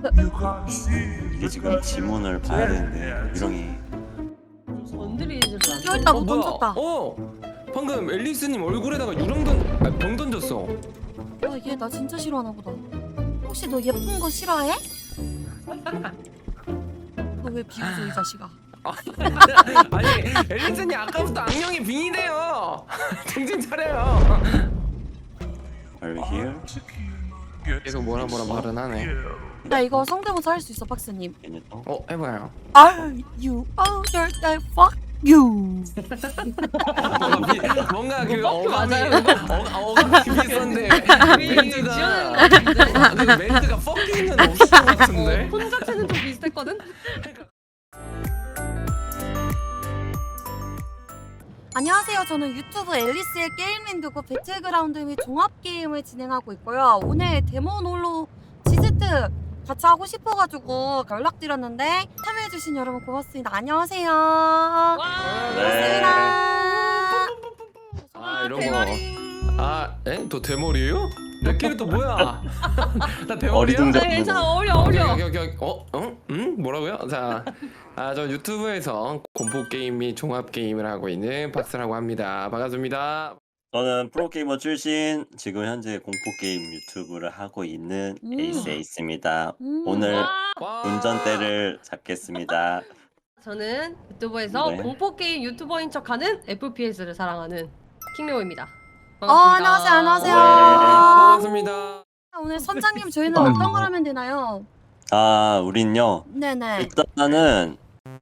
이게 지금 지문을 봐야 되는데 유령이 건드리지를 않아. 여기다 뭐 뭐야? 던졌다. 방금 앨리스님 얼굴에다가 병 던졌어. 얘 나 진짜 싫어하나 보다. 혹시 너 예쁜 거 싫어해? 너 왜 비웃어 이 자식아? 아니 앨리스님 아까부터 악령이 빙의돼요. 정신 차려요. Are you here? 계속 뭐라 말은 하네. 나 이거 성대모사 할 수 있어 박스님. 얘네 또? 해봐요. Are you older than fuck you? 뭔가 그 뭐 어감이 맞아요, 어감이 비슷한데 멘트가 근데 멘트가 퍽기는 없을 것 같은데. 폰 자체는 좀 비슷했거든? 안녕하세요. 저는 유튜브 앨리스의 게임랜드고 배틀그라운드 및 종합게임을 진행하고 있고요. 오늘 데모놀로 지스트 같이 하고 싶어가지고 연락드렸는데 참여해주신 여러분 고맙습니다. 안녕하세요. 고맙습니다. 이런 거. 또 대머리예요? 내 캐릭터 뭐야? 나 대머리야? 어리둥절. 괜찮아, 어려. 뭐라고요? 자, 저 유튜브에서 공포 게임 및 종합 게임을 하고 있는 박스라고 합니다. 반갑습니다. 저는 프로게이머 출신, 지금 현재 공포게임 유튜브를 하고 있는 에이스입니다. 오늘 운전대를 잡겠습니다. 저는 유튜브에서 네. 공포게임 유튜버인 척하는 FPS를 사랑하는 킹레오입니다. 안녕하세요. 반갑습니다. 오늘 선장님 저희는 어떤 걸 하면 되나요? 우린요. 네네. 일단은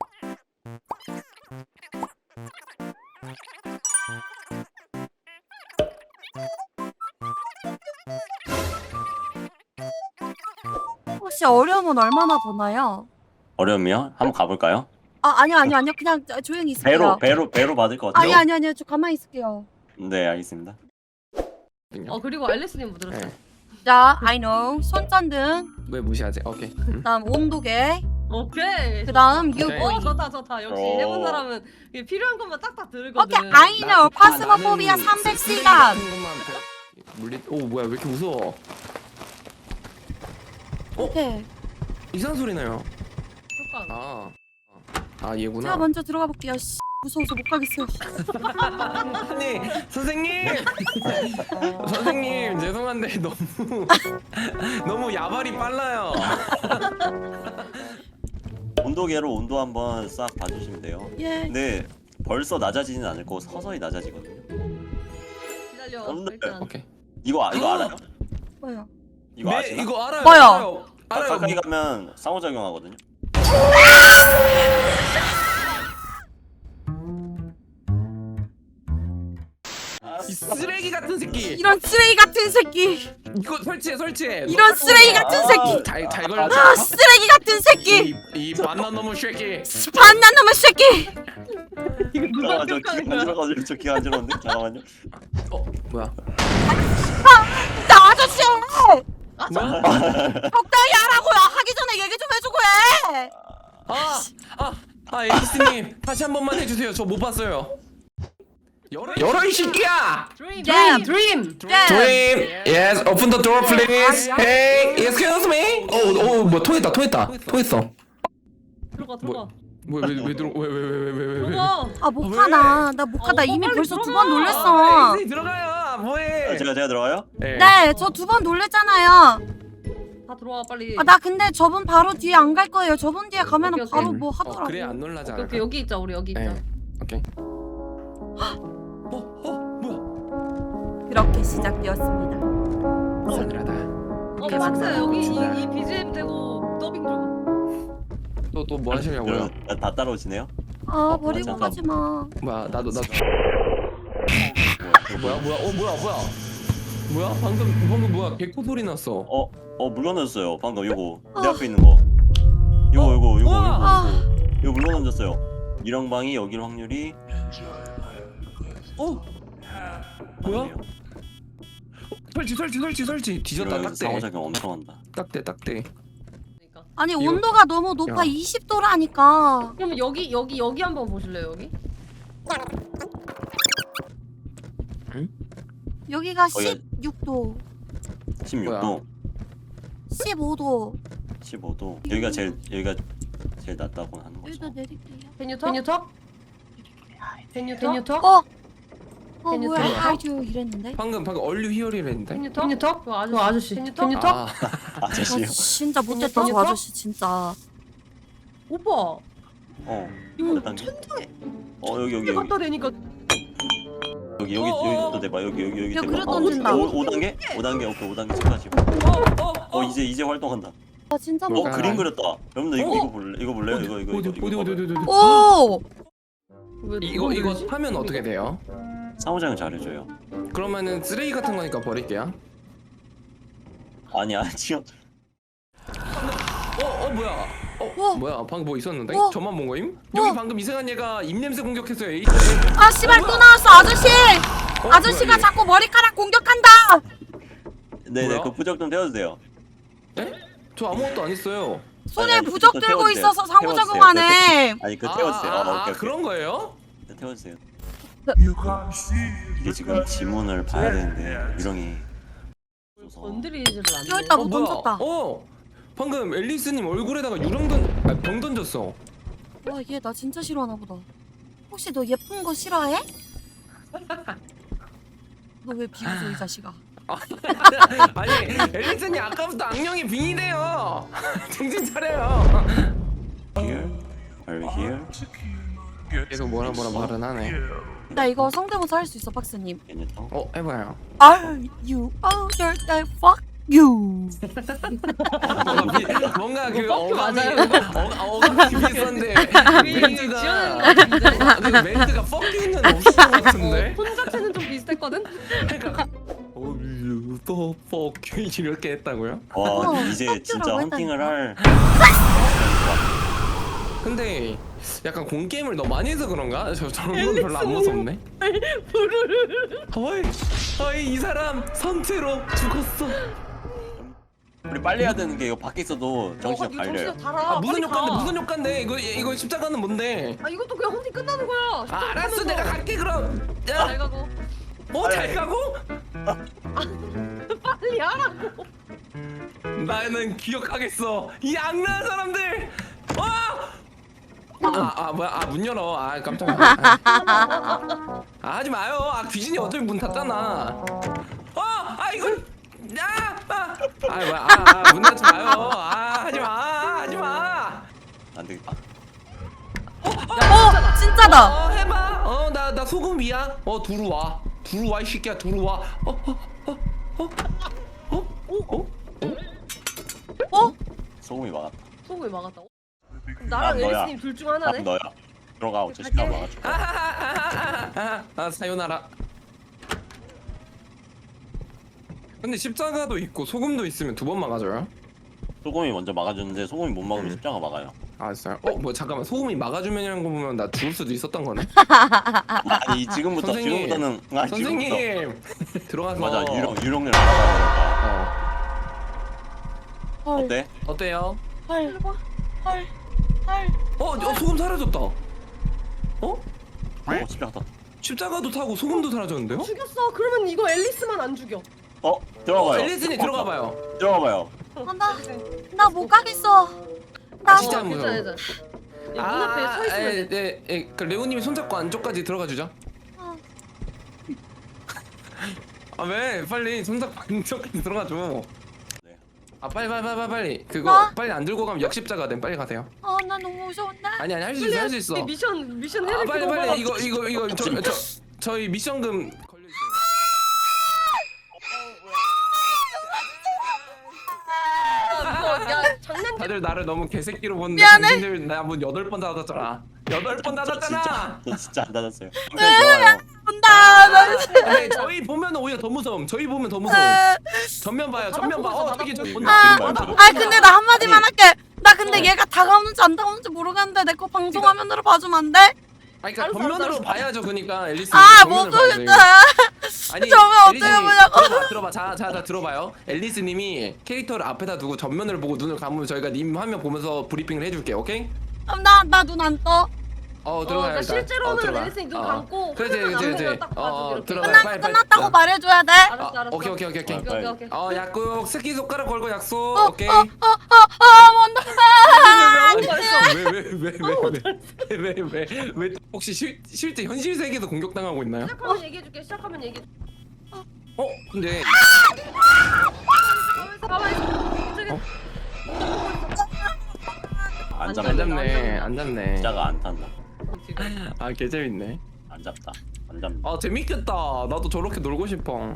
혹시 어려움은 얼마나 보나요? 어려우면 한번 가볼까요? 아니요. 그냥 조용히 있을게요. 배로 받을 것 같아요. 아니요. 저 가만히 있을게요. 네, 알겠습니다. 그리고 앨리스님 뭐 들었어요? 네. 자, I know. 손전등, 왜 무시하지? 오케이. 그다음 온도계, 오케이. 그다음 오케이. 유보이. 좋다. 역시 오. 해본 사람은 이게 필요한 것만 딱딱 들거든. 오케이, I know. 파스모포비아 나는 300시간. 뭐야 왜 이렇게 무서워? 오케이. 이상한 소리 나요. 효과. 얘구나. 제가 먼저 들어가 볼게요. 씨, 무서워서 못 가겠어요. 아니 선생님 죄송한데 너무 야발이 빨라요. 온도계로 온도 한번 싹 봐주시면 돼요. 예. 근데 벌써 낮아지진 않을 거고 서서히 낮아지거든요. 기다려. 여러분들. 일단. 오케이. 이거 알아요? 뭐요? 이거 아시나? 이거 알아요. 뭐요? 알아요. 가까이 가면 상호작용하거든요. 이 쓰레기 같은 새끼. 이런 쓰레기 같은 새끼. 이거 설치해. 이런 쓰레기 같은 새끼. 잘 걸렸다. 쓰레기 같은 새끼. 이 반난 놈의 새끼. 반난 놈의 새끼. 이거 누가 잠깐만, 저 평가하는 기가 거야? 안질어가지고 저 기가 안질었는데? 잠깐만요. 뭐야? 나 아저씨야. 뭐야? 적당히 하라고요. 하기 전에 얘기 좀 해주고 해. 에이스님 다시 한 번만 해주세요. 저 못 봤어요. 열어 이 새끼야. 드림. Dream. Yes, open the door, please. Hey, excuse me. 뭐 통했다. 통했어. 들어가. 왜 들어? 왜? 들어가. 못 가나. 나 못 가. 나 이미 빨리 벌써 두 들어가. 번 놀랬어. 에이, 들어가요. 뭐해? 제가 들어가요? 네, 저 두 번 놀랬잖아요. 다 들어와 빨리. 나 근데 저분 바로 뒤에 안 갈 거예요. 저분 뒤에 가면은 오케이, 바로 오케이. 뭐 하더라고. 그래 안 놀라지 않을까? 오케이, 여기 있자. 우리 여기 있자. 네. 오케이. 뭐야? 그렇게 시작되었습니다. 싸늘하다. 오케이, 박스 맞다. 여기 진짜. 이 BGM 되고 더빙 좀. 또 뭐 하시려고요? 여러분, 다 따라오시네요? 버리고 잠깐. 가지 마. 뭐야? 나도 뭐야? 방금 뭐야? 개코 소리 났어. 물건 던졌어요. 방금 요거 내 앞에 있는 거. 요거 아, 이거 물건 던졌어요. 이랑방이 여길 확률이 뭐야? 설치. 뒤졌다. 이런 딱대. 상호작용 엄청 한다. 딱대. 그러니까. 아니 이거- 온도가 너무 높아. 야. 20도라니까. 그럼 여기 한번 보실래요 여기? 여기가 거기가- 16도, 16도. 15도, 15도. 여기가 제일 낫다고 하는 거죠. 여기다 내릴게요. Can you talk? Can you talk? Can you 뭐야? talk? 아주 이랬는데. 방금 얼류 히어리를 했는데. Can you talk? 그 아저씨. Can you talk? 아, 아저씨요. 진짜 못됐다 저 아저씨 진짜. 오빠. 몇 이거 단계? 천장에 여기 갖다 대니까 여기도 대봐. 여기 야, 대봐. 그래 던진다. 5단계? 5단계. 오케이 5단계 축하하시고. 이제 활동한다. 아 진짜 뭐, 못됐다. 그림 그렸다. 여러분들 이거 볼래? 이거 볼래요? 이거. 오! 이거 하면 어떻게 돼요? 상호작용 잘해줘요. 그러면은 쓰레기 같은 거니까 버릴게요. 아니야 지금 뭐야? 와. 뭐야? 방금 뭐 있었는데? 와. 저만 본 거임? 와. 여기 방금 이상한 얘가 입냄새 공격했어요. 아 씨발 또 나왔어 아저씨! 아저씨가 뭐야, 자꾸 머리카락 공격한다! 네네 뭐야? 그 부적 좀 태워주세요. 에? 저 아무것도 안 했어요. 손에 아니, 부적 그거 들고 태워주세요. 있어서 상호작용하네. 아니 그 태워주세요. 오케이. 그런 거예요? 네, 태워주세요. 이게 지금 지문을 봐야 되는데 유령이 건드리지를 않네. 여기다 뭐 뭐야? 던졌다. 방금 앨리스님 얼굴에다가 병 던졌어. 와 얘 나 진짜 싫어하나 보다. 혹시 너 예쁜 거 싫어해? 너 왜 비웃어 이 자식아. 아니 앨리스님 아까부터 악령이 빙의돼요. 정신 차려요. here, are you here? 계속 뭐라 말은 하네. 나 이거 성대모사 할 수 있어 박스님. Can you talk? 해봐요. Are you older than fuck you? 뭔가 그 뭐 어감이 비슷한데 멘트가 그 멘트가 퍽기는 없을 것 같은데. 폰 자체는 좀 비슷했거든? 이렇게 했다고요? 와 이제 진짜 깜짝이라고 헌팅을 할 근데 약간 공게임을 너무 많이 해서 그런가? 저런 건 별로 안 무섭네. 어이 이 사람 선체로 죽었어. 우리 빨리 해야 되는 게 이거 밖에 있어도 정신이 이거 갈려요. 정신이 달아. 아 무슨 빨리 가. 효과인데 무슨 효과인데 이거 십자가는 뭔데? 아 이것도 그냥 헌팅 끝나는 거야. 아 알았어 내가 갈게 그럼. 잘 야, 가고. 잘 가고? 빨리 하라고. 나는 기억하겠어. 이 악랄한 사람들. 뭐야? 문 열어. 깜짝이야. 하지 마요. 귀신이 어차피 문 닫잖아. 이거. 뭐야? 문 닫지 마요. 하지 마. 안 되겠다. 진짜다. 해봐. 나 소금이야. 들어와 이 새끼야 들어와. 소금이 막았다. 소금이 막았다. 그럼 나랑 너야. 에리스님 둘 중 하나네. 너야. 들어가 어째 시간 막아줘. 사요나라. 근데 십자가도 있고 소금도 있으면 두 번 막아줘요? 소금이 먼저 막아주는데 소금이 못 막으면 십자가 막아요. 알았어요. 잠깐만 소금이 막아주면이라는 거 보면 나 죽을 수도 있었던 거네. 아니 지금부터는 지금부터 선생님 들어가서 맞아 유령을 알아봐야 헐. 되니까. 어때? 어때요? 헐. 소금 사라졌다. 십자가 떴다. 십자가도 타고 소금도 사라졌는데요? 죽였어. 그러면 이거 앨리스만 안 죽여. 들어가봐요. 앨리스님 들어가봐요. 들어가봐요. 나 못 가겠어. 나 진짜 못. 무서워. 괜찮아. 문 앞에 서 있으면 돼. 네. 그 레오님이 손잡고 안쪽까지 들어가 주죠. 왜? 빨리 손잡고 안쪽까지 들어가 줘. 네. 빨리. 그거 빨리 안 들고 가면 역십자가 돼. 빨리 가세요. 나 너무 무서운데. 아니 할 수 있어. 할 수 있어. 미션 해야 될 빨리 이거 저희 미션금 걸려 있어요. 야 장난. 다들 나를 너무 개새끼로 보는데 미안해. 당신들 나 문 8번 닫았잖아. 8번 닫았잖아. 저 진짜 안 닫았어요. 좋아요. 온다. 나 근데 저희 보면 오히려 더 무서움. 저희 보면 더 무서움. 전면 봐요. 전면 봐. 저기 그림 본다. 봐요, 저거. 근데 나 한마디만 할게. 나 근데 얘가 다가오는지 안 다가오는지 모르겠는데 내 거 방송 화면으로 봐주면 안 돼? 그러니까 알았어, 전면으로 알았어. 봐야죠. 그러니까 앨리스. 못 보겠다. 아니 저면 어떻게 앨리스님, 보냐고. 들어봐. 자 들어봐요. 앨리스님이 캐릭터를 앞에다 두고 전면을 보고 눈을 감으면 저희가 님 화면 보면서 브리핑을 해줄게. 오케이? 그럼 나 눈 안 떠. 들어가요. 그러니까 일단. 실제로는 들어가. 앨리스님 눈 감고 그렇지. 화면 앞에서 딱 봐주고 이렇게. 들어가. 빨리. 끝났다고 말해줘야 돼. 알았어. 오케이. 오케이. 오케이. 약속. 새끼 손가락 걸고 약속. 어, 오케이. 어, 왜 혹시 실제 현실 세계에서 공격당하고 있나요? 시작하면 얘기해줄게. 시작하면 얘기해. 근데 가만히 있어. 저기 안 안 잡네. 안 잡네. 진짜가 안 탄다. 지금. 아 개재밌네. 안 잡다. 안 잡네. 아 재밌겠다. 나도 저렇게 놀고 싶어.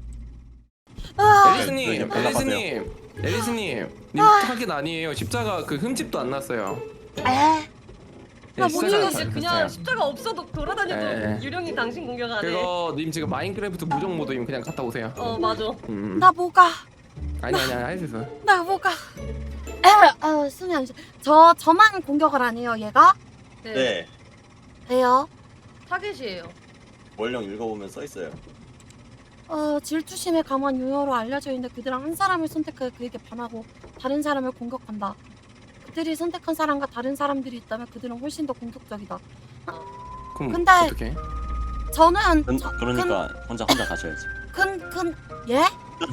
아, 앨리스님, 네, 연락하세요. 앨리스님, 님 타겟 아니에요. 십자가 그 흠집도 안 났어요. 에. 네, 나 십자가 모르겠어. 다 그냥 됐어요. 십자가 없어도 돌아다녀도 예. 유령이 당신 공격 안 해. 그거 님 지금 마인크래프트 무정 모드임 그냥 갔다 오세요. 맞아. 나 뭐가? 아니 할 수 있어. 나 뭐가? 숨이 안 쉬. 저만 공격을 안 해요, 얘가? 네. 왜요? 타겟이에요. 원령 읽어보면 써 있어요. 질투심에 강한 유효로 알려져 있는데 그들은 한 사람을 선택하여 그에게 반하고 다른 사람을 공격한다. 그들이 선택한 사람과 다른 사람들이 있다면 그들은 훨씬 더 공격적이다. 그럼 근데- 어떻게? 저는 그러니까 혼자 가셔야지. 예?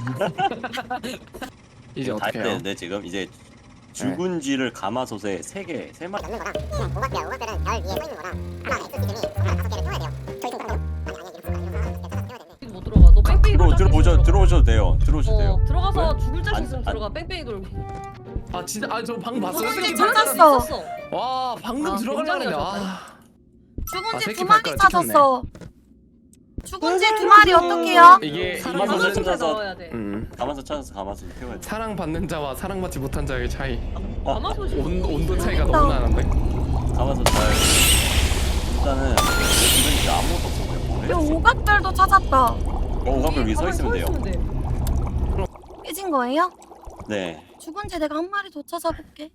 이제 다 어떻게 해요? 했는데 지금 이제 죽은 쥐를 가마솥에 3마리 넣는 거랑 그냥 오각별은 별 위에 서 있는 거랑 하나 엑소시즘이 하나 5개를 띄워야 돼요. 저희 좀 그런가요? 아니 이렇게 띄워야 되는데 못 들어가. 너 뺑뺑이 돌 자신 있어. 들어오셔도 돼요. 들어오셔도 돼요. 들어가서 죽을 자신 안- 있으면 안- 들어가. 뺑뺑이 돌고. 아 진짜 저 방금 봤어요. 근데 새끼 찾았어. 발가락. 와 방금 아, 들어가려고 했는데 굉장히 죽은 아, 쥐 새끼 2마리 발가락 찾았어. 죽은 쥐 2마리 어떡해요? 이게 가만히 가만히 있는 좀 자서- 넣어야 돼. 가마솥 찾아서 가마솥 태워야 돼. 사랑받는 자와 사랑받지 못한 자의 차이. 가마솥이 온도 차이가 너무 나는데. 가마솥 잘. 일단은 주변에 진짜 아무것도 없어요. 야, 오각별도 찾았다. 오각별 위에 서 가만히 있으면 돼요. 깨진 거예요? 네. 죽은 쥐 내가 한 마리 더 찾아볼게.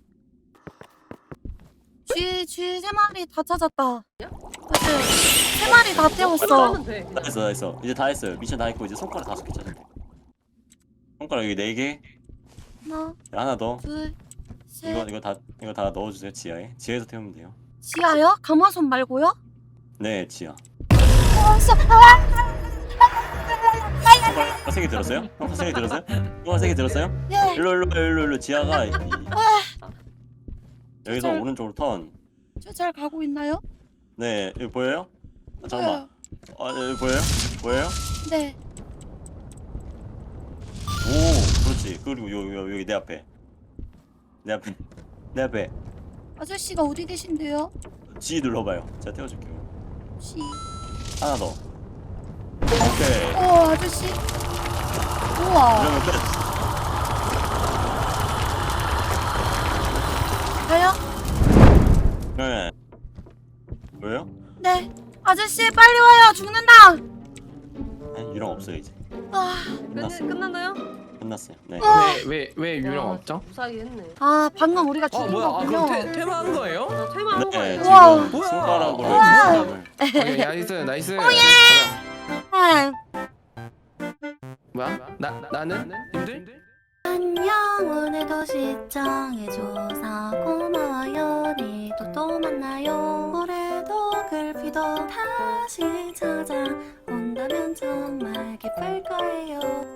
쥐 3마리 다 찾았다. 그치? 3마리 다 태웠어. 하면 돼. 다 했어. 이제 다 했어요. 미션 다 했고 이제 손가락 5개 찾아야 돼. 손가락 여기 4개. 하나 더. 둘, 셋. 이거 다 넣어주세요. 지하에서 태우면 돼요. 지하요? 가마솥 말고요? 네, 지하. 아, 화색이 들었어요? 화색이 들었어요? 화색이 들었어요? 예. 일로 지하가 여기서 잘- 오른쪽으로 턴. 저 잘 가고 있나요? 네, 여기 보여요? 잠깐만. 여기 보여요? 보여요? 네. 오, 그렇지. 그리고 여기 내 앞에. 내 앞에. 아저씨가 어디 계신데요? G 눌러봐요. 제가 태워줄게요. 씨. 하나 더. 오케이. 아저씨. 우와. 이러면 끝. 가요? 네. 뭐예요? 네. 아저씨 빨리 와요. 죽는다. 아니, 유령 없어요 이제. 끝났어요. 끝났나요? 끝났어요. 네. 왜 유령 와, 없죠? 무사히 했네. 방금 우리가 죽인 뭐야? 아 거군요. 그럼 퇴마한 거예요? 퇴마한 네, 거예요. 우와. 지금 뭐야? 손가락으로 우와. 사람을 나이스. 네. 뭐야? 나는 님들? 안녕 오늘도 시청해줘서 고마워요. 내일도 또 만나요. 올해도 글피도 다시 찾아온다면 정말 기쁠 거예요.